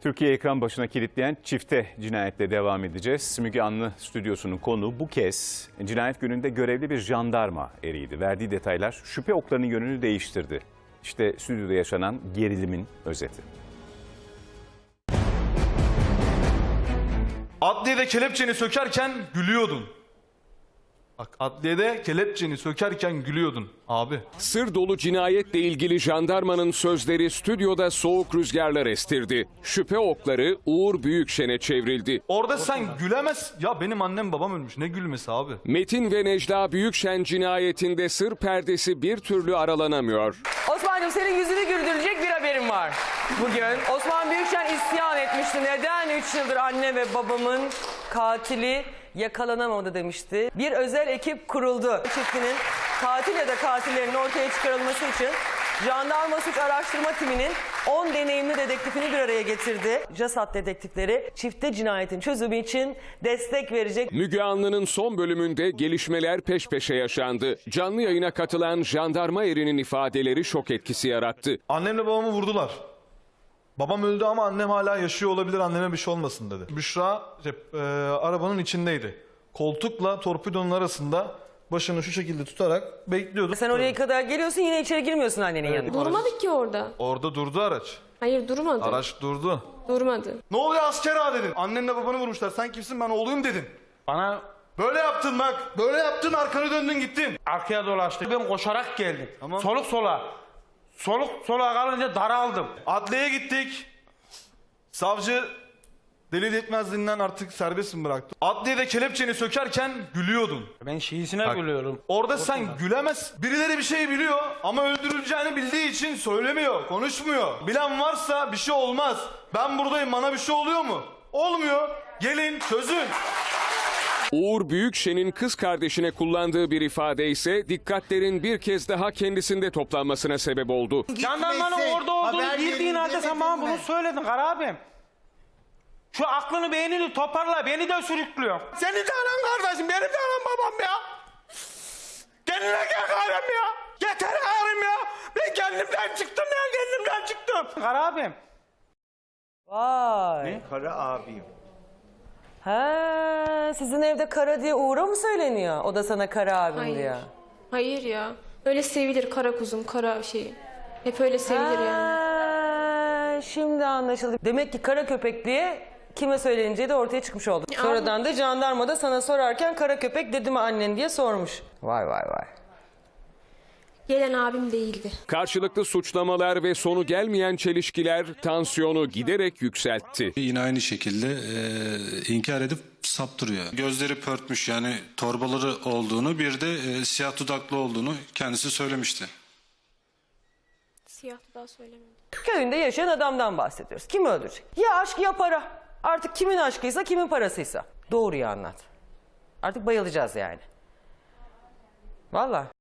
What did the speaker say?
Türkiye ekran başına kilitleyen çifte cinayetle devam edeceğiz. Müge Anlı stüdyosunun konuğu bu kez cinayet gününde görevli bir jandarma eriydi. Verdiği detaylar şüphe oklarının yönünü değiştirdi. İşte stüdyoda yaşanan gerilimin özeti. Adliyede kelepçeni sökerken gülüyordun. Bak, adliyede kelepçeni sökerken gülüyordun abi. Sır dolu cinayetle ilgili jandarmanın sözleri stüdyoda soğuk rüzgarlar estirdi. Şüphe okları Uğur Büyükşen'e çevrildi. Orada sen gülemez. Ya benim annem babam ölmüş. Ne gülmesi abi? Metin ve Necla Büyükşen cinayetinde sır perdesi bir türlü aralanamıyor. Osman'cığım, senin yüzünü güldürecek bir haberim var bugün. Osman Büyükşen isyan etmişti. Neden 3 yıldır anne ve babamın katili yakalanamadı demişti. Bir özel ekip kuruldu. Çiftinin katil ya da katillerin ortaya çıkarılması için Jandarma Suç Araştırma Timi'nin 10 deneyimli dedektifini bir araya getirdi. JASAT dedektifleri çifte cinayetin çözümü için destek verecek. Müge Anlı'nın son bölümünde gelişmeler peş peşe yaşandı. Canlı yayına katılan jandarma erinin ifadeleri şok etkisi yarattı. Annemle babamı vurdular. Babam öldü ama annem hala yaşıyor olabilir, anneme bir şey olmasın dedi. Büşra arabanın içindeydi. Koltukla torpidonun arasında başını şu şekilde tutarak bekliyordu. Sen oraya kadar geliyorsun, yine içeri girmiyorsun annenin yanına. Durmadık ki orada. Orada durdu araç. Hayır, durmadı. Araç durdu. Durmadı. Ne oluyor asker ağa dedin. Annenle babanı vurmuşlar. Sen kimsin, ben oğluyum dedin. Bana Böyle yaptın bak. Böyle yaptın, arkanı döndün gittin. arkaya dolaştı. Ben koşarak geldim. Tamam. Soluk sola. Soluk sola kalınca daraldım. Adliyeye gittik. Savcı delil yetmezliğinden artık serbest mi bıraktı? Adliyede kelepçeni sökerken gülüyordun. Ben şiisine gülüyorum. Orada sen gülemez. Birileri bir şey biliyor ama öldürüleceğini bildiği için söylemiyor, konuşmuyor. Bilen varsa bir şey olmaz. Ben buradayım, bana bir şey oluyor mu? Olmuyor. Gelin çözün. Uğur Büyükşen'in kız kardeşine kullandığı bir ifade ise dikkatlerin bir kez daha kendisinde toplanmasına sebep oldu. Jandarmanın orada olduğunu bildiğin halde sen bana bunu söyledin Kara abim. Şu aklını beynini toparla, beni de sürüklüyor. Senin de anan kardeşim, benim de anam babam ya. Kendine gel Karem ya. Yeter Karem ya. Ben kendimden çıktım ya, kendimden çıktım. Kara abim. Vay. Kara abim. Ha, sizin evde Kara diye Uğur'a mı söyleniyor? O da sana Kara abim Hayır. diyor. Hayır ya. Öyle sevilir kara kuzum, kara şey. Hep öyle sevilir yani. Ha, şimdi anlaşıldı. Demek ki kara köpek diye kime söyleneceği de ortaya çıkmış oldu. Sonradan da jandarma da sana sorarken kara köpek dedi mi annen diye sormuş. Vay vay vay. Gelen abim değildi. Karşılıklı suçlamalar ve sonu gelmeyen çelişkiler tansiyonu giderek yükseltti. Yine aynı şekilde inkar edip saptırıyor. Gözleri pörtmüş, yani torbaları olduğunu, bir de siyah dudaklı olduğunu kendisi söylemişti. Siyah daha söylemedi. Köyünde yaşayan adamdan bahsediyoruz. Kim öldürecek? Ya aşk ya para. Artık kimin aşkıysa kimin parasıysa. Doğruyu anlat. Artık bayılacağız yani. Vallahi.